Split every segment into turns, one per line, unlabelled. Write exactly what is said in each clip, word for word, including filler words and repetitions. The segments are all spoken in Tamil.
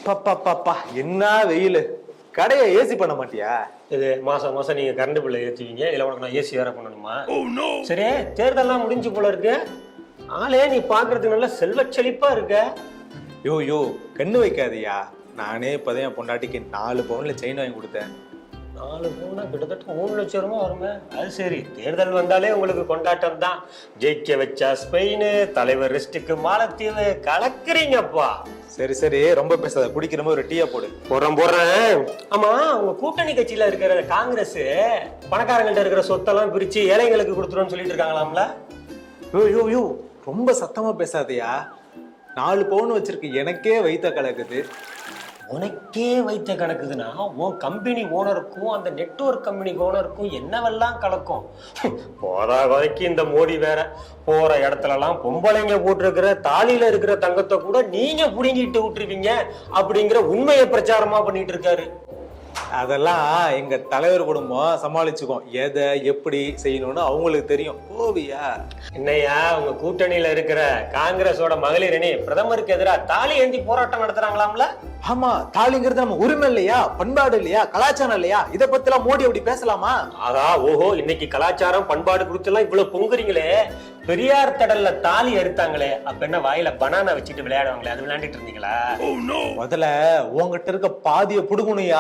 பாப்பா என்ன வெயில், கடையை ஏசி பண்ண மாட்டியா?
இது மாசம் மாசம் நீங்க கரண்ட் பில்லை ஏற்றுவீங்க, இல்லை உனக்கு நான் ஏசி வேற பண்ணணுமா? சரி, தேர்தல்லாம் முடிஞ்சு போல இருக்கு. ஆளே நீ பாக்குறதுக்கு நல்ல செல்வ செழிப்பா இருக்க.
யோ யோ கண்ணு வைக்காதியா. நானே இப்பதான் என் பொண்டாட்டிக்கு நாலு பவுன்ல செயின் வாங்கி கொடுத்தேன்.
நாலு பவுனா கிட்டத்தட்ட மூணு லட்சம் ரூபாய் வருமே. அது சரி, தேர்தல் வந்தாலே உங்களுக்கு கொண்டாட்டம் தான். ஜெயிக்க வச்சா ஸ்பெயின், தலைவர் ரெஸ்ட்டுக்கு மாலத்தீவு, கலக்குறீங்கப்பா.
சரி சரி, ரொம்ப பேசாத, குடிக்கிற மாதிரி ஒரு டீயா போடு.
போறேன் போறேன். ஆமா, உங்க கூட்டணி கட்சியில இருக்கிற காங்கிரஸ் பணக்காரங்கள்ட்ட இருக்கிற சொத்தெல்லாம் பிரிச்சு ஏழைங்களுக்கு கொடுத்துருன்னு சொல்லிட்டு இருக்காங்களாம்ல?
யோ யோ யோ ரொம்ப சத்தமா பேசாதயா. நாலு பவுன் வச்சிருக்கு, எனக்கே வைத்த கலக்குது.
உனக்கே வைத்த கணக்குதுன்னா உன் கம்பெனி ஓனருக்கும் அந்த நெட்வொர்க் கம்பெனி ஓனருக்கும் என்னவெல்லாம் கலக்கும். போதா வரைக்கும் இந்த மோடி வேற போற இடத்துல எல்லாம் பொம்பளைங்க போட்டிருக்கிற தாலியில இருக்கிற தங்கத்தை கூட நீங்க புடுங்கிட்டு விட்டுருவீங்க அப்படிங்கிற உண்மையை பிரச்சாரமா பண்ணிட்டு இருக்காரு.
அதெல்லாம் எங்க தலைவர் குடும்பம் சமாளிச்சுக்கோம். எதை எப்படி செய்யணும்னு அவங்களுக்கு தெரியும். கோவியா
என்னையா உங்க கூட்டணியில இருக்கிற காங்கிரஸோட மகளிர் அணி பிரதமருக்கு எதிராக தாலி ஏந்தி போராட்டம் நடத்துறாங்களாம்ல?
ஆமா, தாலிங்கிறது நம்ம உரிமை இல்லையா, பண்பாடு இல்லையா, கலாச்சாரம் இல்லையா? இதை பத்தி எல்லாம் மோடி அப்படி பேசலாமா?
ஆகா ஓஹோ, இன்னைக்கு கலாச்சாரம் பண்பாடு குறித்து எல்லாம் இவ்வளவு பொங்குறீங்களே. பெரியார் தடல்ல தாலி அறுத்தாங்களே, அப்ப என்ன வாயில பனானா வச்சுட்டு விளையாடுவாங்களே, அது விளையாண்டுட்டு இருந்தீங்களா?
முதல்ல உங்ககிட்ட இருக்க பாதிய புடுங்கணுயா.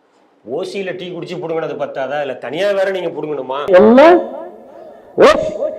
ஓசியில டீ குடிச்சு புடுங்கினது பத்தாதா, இல்ல தனியா வேற நீங்க புடுங்கணுமா?